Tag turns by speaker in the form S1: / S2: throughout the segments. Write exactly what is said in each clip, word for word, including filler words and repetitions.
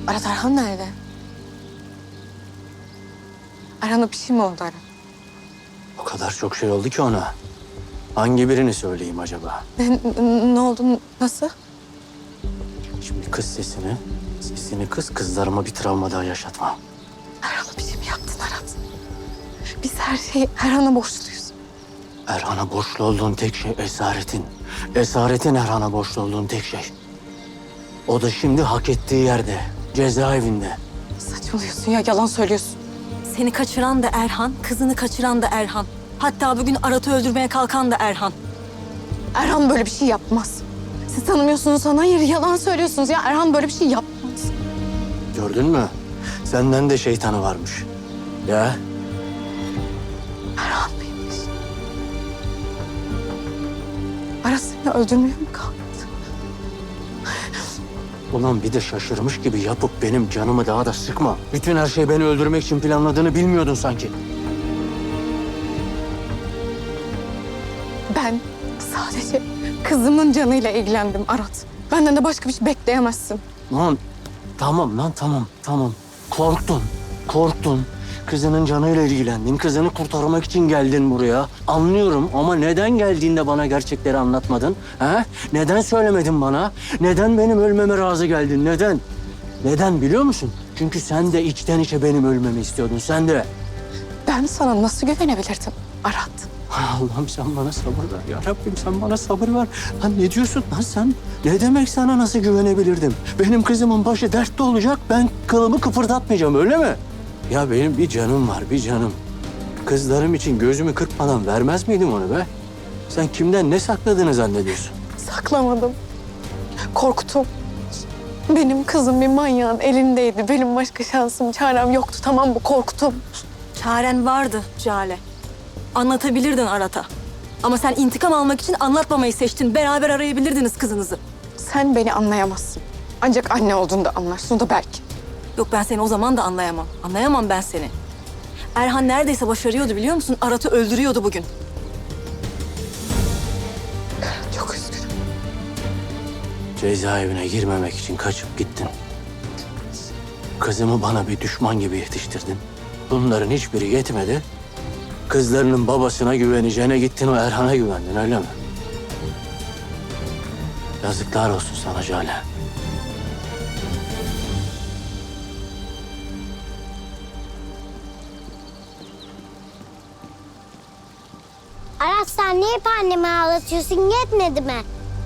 S1: Arat, Erhan nerede? Erhan'a bir şey mi oldu Arat?
S2: O kadar çok şey oldu ki ona. Hangi birini söyleyeyim acaba?
S1: Ne, ne, ne oldu? Nasıl?
S2: Şimdi kız sesini, sesini kız kızlarıma bir travma daha yaşatma.
S1: Erhan'a bir şey mi yaptın Arat? Biz her şeyi Erhan'a borçluyuz.
S2: Erhan'a borçlu olduğun tek şey esaretin. Esaretin Erhan'a borçlu olduğun tek şey. O da şimdi hak ettiği yerde, cezaevinde.
S1: Saçmalıyorsun ya, yalan söylüyorsun.
S3: Seni kaçıran da Erhan, kızını kaçıran da Erhan. Hatta bugün Arat'ı öldürmeye kalkan da Erhan.
S1: Erhan böyle bir şey yapmaz. Siz tanımıyorsunuz sana, hayır yalan söylüyorsunuz ya. Erhan böyle bir şey yapmaz.
S2: Gördün mü? Senden de şeytanı varmış. Ya
S1: Erhan mıymış? Arat seni öldürmeye mi kalktı?
S2: ulan bir de şaşırmış gibi yapıp benim canımı daha da sıkma. Bütün her şey beni öldürmek için planladığını bilmiyordun sanki.
S1: Ben sadece kızımın canıyla ilgilendim Arat. Benden de başka bir şey bekleyemezsin.
S2: Lan tamam lan tamam tamam. Korktun, korktun. Kızının canıyla ilgilendin. Kızını kurtarmak için geldin buraya. Anlıyorum ama neden geldiğinde bana gerçekleri anlatmadın? He? Neden söylemedin bana? Neden benim ölmeme razı geldin? Neden? Neden biliyor musun? Çünkü sen de içten içe benim ölmemi istiyordun. Sen de.
S1: Ben sana nasıl güvenebilirdim Arat?
S2: Allah'ım sen bana sabır ver ya Rabbim, sen bana sabır ver. Lan ne diyorsun lan sen? Ne demek sana nasıl güvenebilirdim? Benim kızımın başı dertte olacak, ben kılımı kıpırdatmayacağım öyle mi? Ya benim bir canım var, bir canım. Kızlarım için gözümü kırpmadan vermez miydim onu be? Sen kimden ne sakladığını zannediyorsun?
S1: Saklamadım. Korktum. Benim kızım bir manyağın elindeydi. Benim başka şansım, çarem yoktu. Tamam mı? Korktum.
S3: Çaren vardı Jale. Anlatabilirdin Arat'a. Ama sen intikam almak için anlatmamayı seçtin. Beraber arayabilirdiniz kızınızı.
S1: Sen beni anlayamazsın. Ancak anne olduğunda anlarsın, o da belki.
S3: Yok, ben seni o zaman da anlayamam. Anlayamam ben seni. Erhan neredeyse başarıyordu biliyor musun? Arat'ı öldürüyordu bugün.
S1: Çok üzgünüm.
S2: Cezaevine girmemek için kaçıp gittin. Kızımı bana bir düşman gibi yetiştirdin. Bunların hiçbiri yetmedi. Kızlarının babasına güveneceğine gittin, o Erhan'a güvendin öyle mi? Yazıklar olsun sana Jale.
S4: Aras, sen niye hep annemi ağlatıyorsun? Yetmedi mi?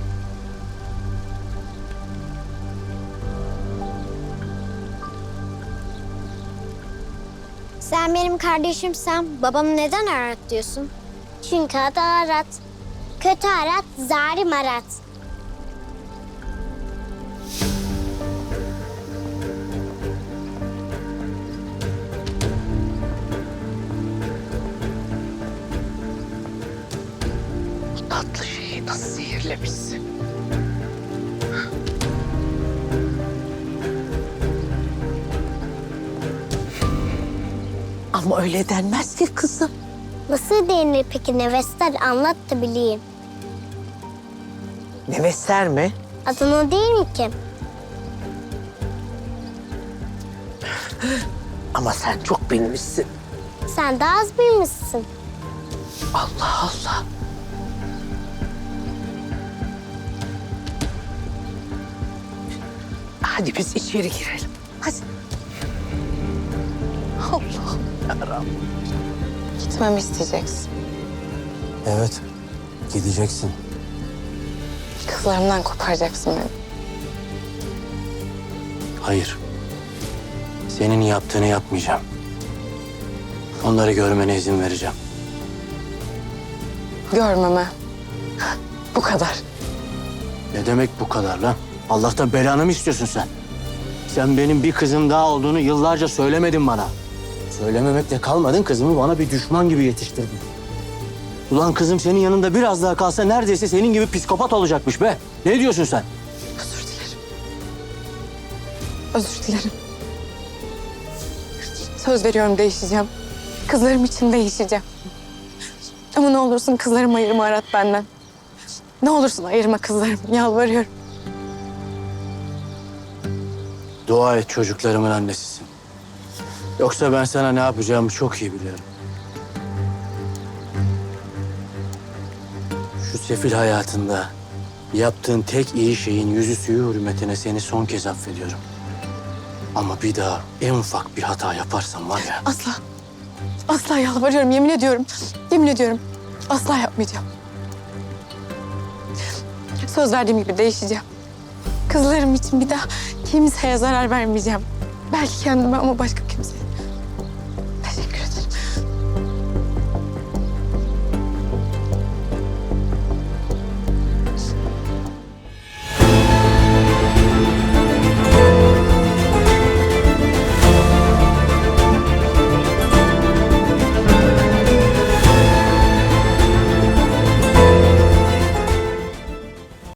S4: Sen benim kardeşimsen babamı neden Arat diyorsun? Çünkü adı Arat. Kötü Arat, zalim Arat.
S1: Tatlı şeyi nasıl sihirlemişsin? Ama öyle denmez ki kızım.
S4: Nasıl denir peki Nevester? Anlat da bileyim.
S5: Nevester mi?
S4: Adını değil mi ki?
S5: Ama sen çok bilmişsin.
S4: Sen de az bilmişsin.
S5: Allah Allah. Hadi biz içeri girelim.
S1: Hadi. Allah'ım yarabbim. Gitmemi isteyeceksin.
S2: Evet, gideceksin.
S1: Kızlarımdan koparacaksın beni.
S2: Hayır. Senin yaptığını yapmayacağım. Onları görmene izin vereceğim.
S1: Görmeme. Bu kadar.
S2: Ne demek bu kadar lan? Allah'tan belanı mı istiyorsun sen? Sen benim bir kızım daha olduğunu yıllarca söylemedin bana. Söylememekle kalmadın, kızımı bana bir düşman gibi yetiştirdin. Ulan kızım senin yanında biraz daha kalsa neredeyse senin gibi psikopat olacakmış be. Ne diyorsun sen?
S1: Özür dilerim. Özür dilerim. Söz veriyorum, değişeceğim. Kızlarım için değişeceğim. Ama ne olursun kızlarımı ayırma Arat benden. Ne olursun ayırma kızlarımı, yalvarıyorum.
S2: Dua et çocuklarımın annesisin. Yoksa ben sana ne yapacağımı çok iyi biliyorum. Şu sefil hayatında yaptığın tek iyi şeyin yüzü suyu hürmetine seni son kez affediyorum. Ama bir daha en ufak bir hata yaparsan var ya...
S1: Asla. Asla yalvarıyorum, yemin ediyorum. Yemin ediyorum. Asla yapmayacağım. Söz verdiğim gibi değişeceğim. Kızlarım için bir daha kimseye zarar vermeyeceğim. Belki kendime ama başka kimseye.